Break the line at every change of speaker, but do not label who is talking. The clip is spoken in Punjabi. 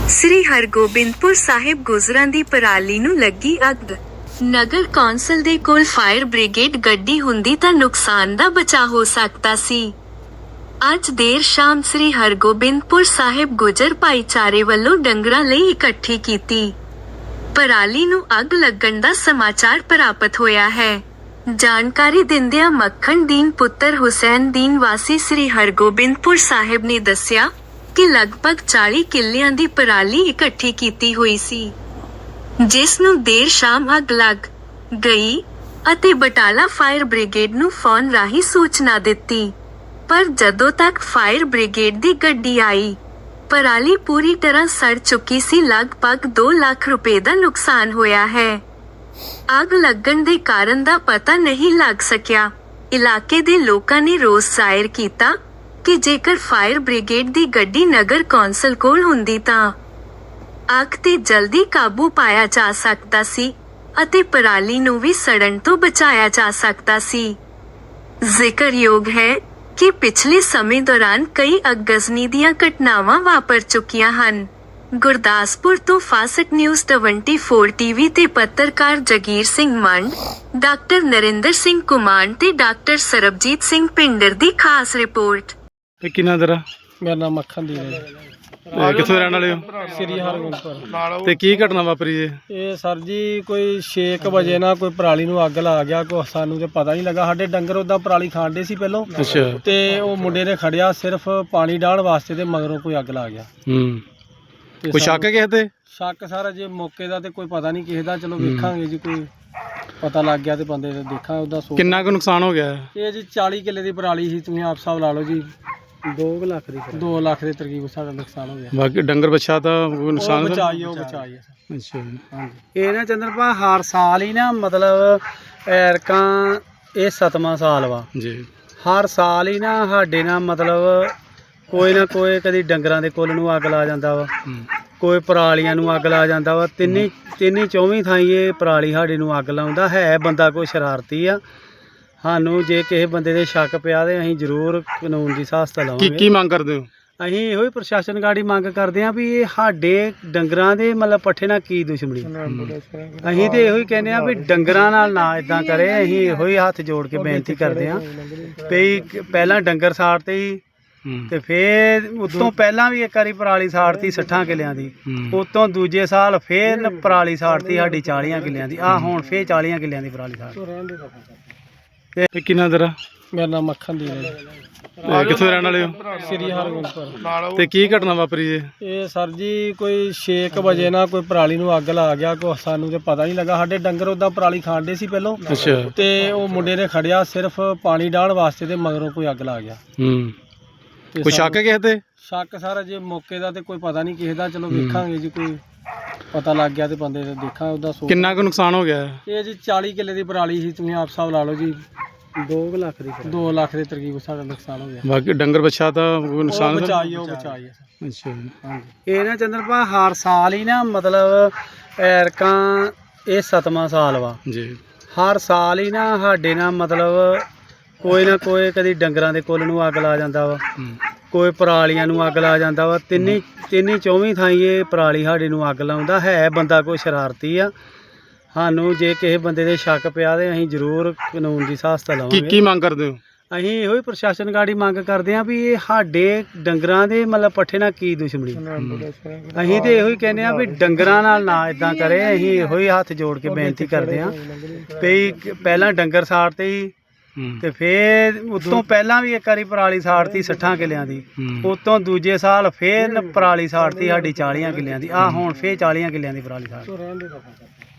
ਸ੍ਰੀ ਹਰਗੋਬਿੰਦਪੁਰ ਸਾਹਿਬ ਗੁਜਰਾਂ ਦੀ ਪਰਾਲੀ ਨੂੰ ਲੱਗੀ ਅੱਗ। ਨਗਰ ਕੌਂਸਲ ਦੇ ਕੋਲ ਫਾਇਰ ਬ੍ਰਿਗੇਡ ਗੱਡੀ ਹੁੰਦੀ ਤਾਂ ਨੁਕਸਾਨ ਦਾ ਬਚਾਅ ਹੋ ਸਕਦਾ ਸੀ। ਅੱਜ ਦੇਰ ਸ਼ਾਮ ਸ੍ਰੀ ਹਰਗੋਬਿੰਦਪੁਰ ਸਾਹਿਬ ਗੁਜਰ ਭਾਈਚਾਰੇ ਵੱਲੋਂ ਡੰਗਰਾਂ ਲਈ ਇਕੱਠੀ ਕੀਤੀ ਪਰਾਲੀ ਨੂੰ ਅੱਗ ਲੱਗਣ ਦਾ ਸਮਾਚਾਰ ਪ੍ਰਾਪਤ ਹੋਇਆ ਹੈ। ਜਾਣਕਾਰੀ ਦਿੰਦਿਆਂ ਮੱਖਣ ਦੀਨ ਪੁੱਤਰ ਹੁਸੈਨ ਦੀਨ ਵਾਸੀ ਸ੍ਰੀ ਹਰਗੋਬਿੰਦਪੁਰ ਸਾਹਿਬ ਨੇ ਦੱਸਿਆ ਕਿ ਲਗਭਗ 40 ਕਿੱਲਿਆਂ ਦੀ ਪਰਾਲੀ ਇਕੱਠੀ ਕੀਤੀ ਹੋਈ ਸੀ, ਜਿਸ ਨੂੰ ਦੇਰ ਸ਼ਾਮ ਅੱਗ ਲੱਗ ਗਈ ਅਤੇ ਬਟਾਲਾ ਫਾਇਰ ਬ੍ਰਿਗੇਡ ਨੂੰ ਫੋਨ ਰਾਹੀਂ ਸੂਚਨਾ ਦਿੱਤੀ, ਪਰ ਜਦੋਂ ਤੱਕ ਫਾਇਰ ਬ੍ਰਿਗੇਡ ਦੀ ਗੱਡੀ ਆਈ, ਪਰਾਲੀ ਪੂਰੀ ਤਰ੍ਹਾਂ ਸੜ ਚੁੱਕੀ ਸੀ। ਲਗਭਗ 2 ਲੱਖ ਰੁਪਏ ਦਾ ਨੁਕਸਾਨ ਹੋਇਆ ਹੈ। ਅੱਗ ਲੱਗਣ ਦੇ ਕਾਰਨ ਦਾ ਪਤਾ ਨਹੀਂ ਲੱਗ ਸਕਿਆ। ਇਲਾਕੇ ਦੇ ਲੋਕਾਂ ਨੇ ਰੋਸ ਜ਼ਾਹਿਰ ਕੀਤਾ ਕਿ ਜੇਕਰ ਫਾਇਰ ਬ੍ਰਿਗੇਡ ਦੀ ਗੱਡੀ ਨਗਰ ਕੌਂਸਲ ਕੋਲ ਹੁੰਦੀ ਤਾਂ ਅੱਗ ਤੇ ਜਲਦੀ ਕਾਬੂ ਪਾਇਆ ਜਾ ਸਕਦਾ ਸੀ ਅਤੇ ਪਰਾਲੀ ਨੂੰ ਵੀ ਸੜਨ ਤੋਂ ਬਚਾਇਆ ਜਾ ਸਕਦਾ ਸੀ। ਜ਼ਿਕਰਯੋਗ ਹੈ ਕਿ ਪਿਛਲੇ ਸਮੇਂ ਦੌਰਾਨ ਕਈ ਅਗਜ਼ਨੀ ਦੀਆਂ ਘਟਨਾਵਾਂ ਵਾਪਰ ਚੁੱਕੀਆਂ ਹਨ। ਗੁਰਦਾਸਪੁਰ ਤੋਂ ਫਾਸਕ ਨਿਊਜ਼ 24 ਟੀਵੀ ਤੇ ਪੱਤਰਕਾਰ ਜਗੀਰ ਸਿੰਘ ਮੰਡ, ਡਾਕਟਰ ਨਰਿੰਦਰ ਸਿੰਘ ਕੁਮਾਨ ਤੇ ਡਾਕਟਰ ਸਰਬਜੀਤ ਸਿੰਘ ਪਿੰਡਰ ਦੀ ਖਾਸ ਰਿਪੋਰਟ।
ਕਿੰਨਾ ਤੇਰਾ?
ਮੇਰਾ ਨਾਮ ਮੱਖਣ ਦੀ ਹੈ।
ਕਿੱਥੋਂ ਰਹਿਣ ਵਾਲੇ ਹੋ?
ਸ੍ਰੀ ਹਰਗੋਬਿੰਦਪੁਰ।
ਤੇ ਕੀ ਘਟਨਾ ਵਾਪਰੀ ਜੇ?
ਇਹ ਸਰ ਜੀ ਕੋਈ 6 ਵਜੇ ਨਾ ਕੋਈ ਪਰਾਲੀ ਨੂੰ ਅੱਗ ਲਾ ਗਿਆ, ਕੋਈ ਸਾਨੂੰ ਤੇ ਪਤਾ ਨਹੀਂ ਲੱਗਾ। ਸਾਡੇ ਡੰਗਰ ਉਦਾਂ ਪਰਾਲੀ ਖਾਂਦੇ ਸੀ ਪਹਿਲੋਂ।
ਅੱਛਾ।
ਤੇ ਉਹ ਮੁੰਡੇ ਨੇ ਖੜਿਆ ਸਿਰਫ ਪਾਣੀ ਡਾਹਣ ਵਾਸਤੇ ਤੇ ਮਗਰੋਂ ਕੋਈ ਅੱਗ ਲਾ ਗਿਆ। ਤੇ
ਕੋਈ ਸ਼ੱਕ ਹੈ ਕਿਸੇ ਤੇ?
ਸ਼ੱਕ ਸਾਰਾ ਜੇ ਮੌਕੇ ਦਾ ਤੇ ਕੋਈ ਪਤਾ ਨਹੀਂ ਕਿਸੇ ਦਾ, ਚਲੋ ਵੇਖਾਂਗੇ ਜੀ, ਕੋਈ ਪਤਾ ਲੱਗ ਗਿਆ ਤੇ ਬੰਦੇ ਦੇ ਦੇਖਾਂ ਉਹਦਾ।
ਕਿੰਨਾ ਕੁ ਨੁਕਸਾਨ ਹੋ ਗਿਆ?
ਇਹ ਜੀ 40 ਕਿੱਲੇ ਦੀ ਪਰਾਲੀ ਸੀ, ਤੁਸੀਂ ਆਪ ਹਿਸਾਬ ਲਾ ਲਓ ਜੀ। 2 ਲੱਖ ਦੇ ਤਰਕੀਬ ਸਾਡਾ ਨੁਕਸਾਨ ਹੋ ਗਿਆ।
ਬਾਕੀ ਡੰਗਰ ਬੱਚਾ ਤਾਂ ਕੋਈ ਨੁਕਸਾਨ
ਬਚਾਈ ਹੈ।
ਅੱਛਾ।
ਹਾਂਜੀ। ਇਹ ਨਾ ਚੰਦਰਪਾ ਹਰ ਸਾਲ ਹੀ ਨਾ ਮਤਲਬ ਐਰਕਾਂ ਇਹ 7ਵਾਂ ਸਾਲ ਵਾ
ਜੀ।
ਹਰ ਸਾਲ ਹੀ ਨਾ ਸਾਡੇ ਨਾਲ ਮਤਲਬ ਕੋਈ ਨਾ ਕੋਈ, ਕਦੀ ਡੰਗਰਾਂ ਦੇ ਕੁੱਲ ਨੂੰ ਅੱਗ ਲਾ ਜਾਂਦਾ ਵਾ, ਕੋਈ ਪਰਾਲੀਆਂ ਨੂੰ ਅੱਗ ਲਾ ਜਾਂਦਾ ਵਾ। ਤਿੰਨੀ ਚੌਵੀਂ ਥਾਈਂ ਇਹ ਪਰਾਲੀ ਸਾਡੇ ਨੂੰ ਅੱਗ ਲਾਉਂਦਾ ਹੈ। ਬੰਦਾ ਕੋਈ ਸ਼ਰਾਰਤੀ ਆ। ਸਾਨੂੰ ਜੇ ਕਿਸੇ ਬੰਦੇ ਦੇ ਸ਼ੱਕ ਪਿਆ ਤੇ ਅਸੀਂ ਜ਼ਰੂਰ ਕਾਨੂੰਨ ਦੀ ਸਹਾਇਤਾ ਲਵਾਂਗੇ।
ਕੀ ਮੰਗ ਕਰਦੇ ਹੋ?
ਅਸੀਂ ਇਹੋ ਹੀ ਪ੍ਰਸ਼ਾਸਨ ਗਾੜੀ ਮੰਗ ਕਰਦੇ ਹਾਂ ਵੀ ਇਹ ਸਾਡੇ ਡੰਗਰਾਂ ਦੇ ਮਤਲਬ ਪੱਠੇ ਨਾਲ ਕੀ ਦੁਸ਼ਮਣੀ। ਅਸੀਂ ਤੇ ਇਹੋ ਹੀ ਕਹਿੰਦੇ ਹਾਂ ਵੀ ਡੰਗਰਾਂ ਨਾਲ ਨਾ ਇਦਾਂ ਕਰੇ। ਅਸੀਂ ਇਹੋ ਹੀ ਹੱਥ ਜੋੜ ਕੇ ਬੇਨਤੀ ਕਰਦੇ ਹਾਂ ਵੀ ਪਹਿਲਾਂ ਡੰਗਰ ਸਾੜਤੇ ਹੀ, ਤੇ ਫੇਰ ਉਤੋਂ ਪਹਿਲਾਂ ਵੀ ਇੱਕ ਵਾਰੀ ਪਰਾਲੀ ਸਾੜਤੀ 60 ਕਿੱਲਿਆਂ ਦੀ, ਉਤੋਂ ਦੂਜੇ ਸਾਲ ਫੇਰ ਪਰਾਲੀ ਸਾੜਤੀ ਸਾਡੀ 40 ਕਿੱਲਿਆਂ ਦੀ। ਆ ਹੁਣ ਫੇਰ 40 ਕਿੱਲਿਆਂ ਦੀ ਪਰਾਲੀ ਸਾੜ।
ਤੇ ਕਿੰਨਾ ਤੇਰਾ?
ਮੇਰਾ ਨਾਮ ਮੱਖਣ ਦੀ ਹੈ।
ਕਿੱਥੋਂ ਰਹਿਣ ਵਾਲੇ ਹੋ?
ਸ੍ਰੀ ਹਰਗੋਬਿੰਦਪੁਰ।
ਤੇ ਕੀ ਘਟਨਾ ਵਾਪਰੀ ਜੇ?
ਇਹ ਸਰ ਜੀ ਕੋਈ 6 ਵਜੇ ਨਾ ਕੋਈ ਪਰਾਲੀ ਨੂੰ ਅੱਗ ਲਾ ਗਿਆ, ਕੋਈ ਸਾਨੂੰ ਤੇ ਪਤਾ ਨਹੀਂ ਲੱਗਾ। ਸਾਡੇ ਡੰਗਰ ਉਦਾਂ ਪਰਾਲੀ ਖਾਂਦੇ ਸੀ ਪਹਿਲੋਂ।
ਅੱਛਾ।
ਤੇ ਉਹ ਮੁੰਡੇ ਨੇ ਖੜਿਆ ਸਿਰਫ ਪਾਣੀ ਡਾਹਣ ਵਾਸਤੇ ਤੇ ਮਗਰੋਂ ਕੋਈ ਅੱਗ ਲਾ ਗਿਆ।
ਕੋਈ ਸ਼ੱਕ ਹੈ ਕਿਸੇ ਤੇ?
ਸ਼ੱਕ ਸਾਰਾ ਜੇ ਮੌਕੇ ਦਾ ਤੇ ਕੋਈ ਪਤਾ ਨਹੀਂ ਕਿਸੇ ਦਾ, ਚਲੋ ਵੇਖਾਂਗੇ ਜੀ, ਕੋਈ ਪਤਾ ਲੱਗ ਗਿਆ ਤੇ ਬੰਦੇ ਦੇ ਦੇਖਾਂ ਉਹਦਾ।
ਕਿੰਨਾ ਕੁ ਨੁਕਸਾਨ ਹੋ ਗਿਆ?
ਇਹ ਜੀ 40 ਕਿੱਲੇ ਦੀ ਪਰਾਲੀ ਸੀ, ਤੁਸੀਂ ਆਪ ਹਿਸਾਬ ਲਾ ਲਓ ਜੀ। 2 ਲੱਖ ਦੇ ਤਰਕੀਬ ਸਾਡਾ ਨੁਕਸਾਨ ਹੋ ਗਿਆ।
ਬਾਕੀ ਡੰਗਰ ਬੱਚਾ ਤਾਂ ਕੋਈ ਨੁਕਸਾਨ
ਬਚਾਈ ਹੈ।
ਅੱਛਾ।
ਹਾਂਜੀ। ਇਹ ਨਾ ਚੰਦਰਪਾ ਹਰ ਸਾਲ ਹੀ ਨਾ ਮਤਲਬ ਐਰਕਾਂ ਇਹ 7ਵਾਂ ਸਾਲ ਵਾ
ਜੀ।
ਹਰ ਸਾਲ ਹੀ ਨਾ ਸਾਡੇ ਨਾਲ ਮਤਲਬ ਕੋਈ ਨਾ ਕੋਈ, ਕਦੀ ਡੰਗਰਾਂ ਦੇ ਕੁੱਲ ਨੂੰ ਅੱਗ ਲਾ ਜਾਂਦਾ ਵਾ, ਕੋਈ ਪਰਾਲੀਆਂ ਨੂੰ ਅੱਗ ਲਾ ਜਾਂਦਾ ਵਾ। ਤਿੰਨੀ ਚੌਵੀਂ ਥਾਈਂ ਇਹ ਪਰਾਲੀ ਸਾਡੇ ਨੂੰ ਅੱਗ ਲਾਉਂਦਾ ਹੈ। ਬੰਦਾ ਕੋਈ ਸ਼ਰਾਰਤੀ ਆ। ਸਾਨੂੰ ਜੇ ਕਿਸੇ ਬੰਦੇ ਦੇ ਸ਼ੱਕ ਪਿਆ ਤੇ ਅਸੀਂ ਜ਼ਰੂਰ ਕਾਨੂੰਨ ਦੀ ਸਹਾਇਤਾ ਲਵਾਂਗੇ।
ਕੀ ਮੰਗ ਕਰਦੇ ਹੋ?
ਅਸੀਂ ਇਹੋ ਹੀ ਪ੍ਰਸ਼ਾਸਨ ਗਾੜੀ ਮੰਗ ਕਰਦੇ ਹਾਂ ਵੀ ਇਹ ਸਾਡੇ ਡੰਗਰਾਂ ਦੇ ਮਤਲਬ ਪੱਠੇ ਨਾਲ ਕੀ ਦੁਸ਼ਮਣੀ। ਅਸੀਂ ਤੇ ਇਹੋ ਹੀ ਕਹਿੰਦੇ ਹਾਂ ਵੀ ਡੰਗਰਾਂ ਨਾਲ ਨਾ ਇਦਾਂ ਕਰੇ। ਅਸੀਂ ਇਹੋ ਹੀ ਹੱਥ ਜੋੜ ਕੇ ਬੇਨਤੀ ਕਰਦੇ ਹਾਂ ਵੀ ਪਹਿਲਾਂ ਡੰਗਰ ਸਾੜਤੇ ਹੀ, ਤੇ ਫੇਰ ਉਤੋਂ ਪਹਿਲਾਂ ਵੀ ਇੱਕ ਵਾਰੀ ਪਰਾਲੀ ਸਾੜਤੀ 60 ਕਿੱਲਿਆਂ ਦੀ, ਉਤੋਂ ਦੂਜੇ ਸਾਲ ਫੇਰ ਪਰਾਲੀ ਸਾੜਤੀ ਸਾਡੀ 40 ਕਿੱਲਿਆਂ ਦੀ। ਆ ਹੁਣ ਫੇਰ 40 ਕਿੱਲਿਆਂ ਦੀ ਪਰਾਲੀ ਸਾੜ।